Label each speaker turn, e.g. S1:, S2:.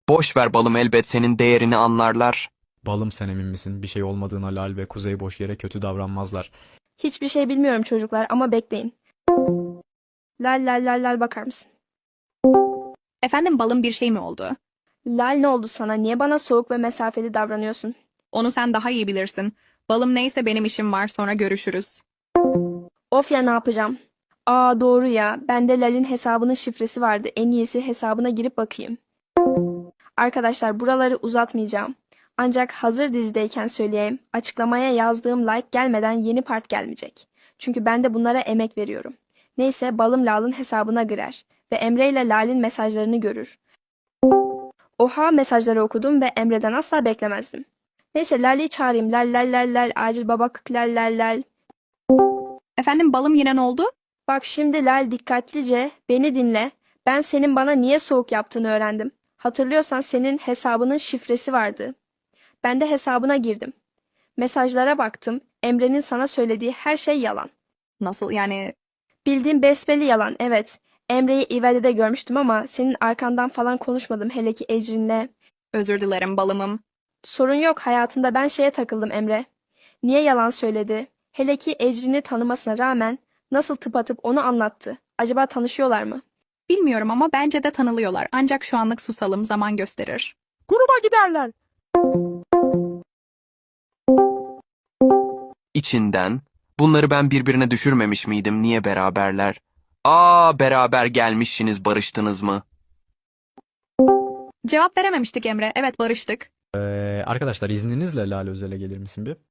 S1: Boş ver balım, elbet senin değerini anlarlar.
S2: Balım, sen emin misin? Bir şey olmadığına Lal ve Kuzey boş yere kötü davranmazlar.
S3: Hiçbir şey bilmiyorum çocuklar ama bekleyin. Lal lal lal lal bakar mısın?
S4: Efendim balım, bir şey mi oldu?
S3: Lal ne oldu sana? Niye bana soğuk ve mesafeli davranıyorsun?
S4: Onu sen daha iyi bilirsin. Balım, neyse benim işim var, sonra görüşürüz.
S3: Of ya, ne yapacağım? Aa, doğru ya. Bende Lal'in hesabının şifresi vardı. En iyisi hesabına girip bakayım. Arkadaşlar, buraları uzatmayacağım. Ancak hazır dizideyken söyleyeyim. Açıklamaya yazdığım like gelmeden yeni part gelmeyecek. Çünkü ben de bunlara emek veriyorum. Neyse, balım Lal'ın hesabına girer ve Emre ile Lal'in mesajlarını görür. Oha, mesajları okudum ve Emre'den asla beklemezdim. Neyse, Lal'i çağırayım. Lal lal lal lal, acil babak lal lal lal.
S4: Efendim balım, yine ne oldu?
S3: Bak şimdi Lal, dikkatlice beni dinle. Ben senin bana niye soğuk yaptığını öğrendim. Hatırlıyorsan senin hesabının şifresi vardı. Ben de hesabına girdim. Mesajlara baktım. Emre'nin sana söylediği her şey yalan.
S4: Nasıl yani?
S3: Bildiğim besbelli yalan, evet. Emre'yi İvede'de görmüştüm ama senin arkandan falan konuşmadım, hele ki Ecrin'le.
S4: Özür dilerim balımım.
S3: Sorun yok, hayatımda ben şeye takıldım Emre. Niye yalan söyledi? Hele ki Ecrin'i tanımasına rağmen nasıl tıpatıp onu anlattı. Acaba tanışıyorlar mı?
S4: Bilmiyorum ama bence de tanılıyorlar. Ancak şu anlık susalım, zaman gösterir.
S5: Gruba giderler.
S1: İçinden, bunları ben birbirine düşürmemiş miydim, niye beraberler? Aa, beraber gelmişsiniz, barıştınız mı?
S4: Cevap verememiştik Emre. Evet, barıştık.
S2: Arkadaşlar, izninizle Lal Özel'e gelir misin bir?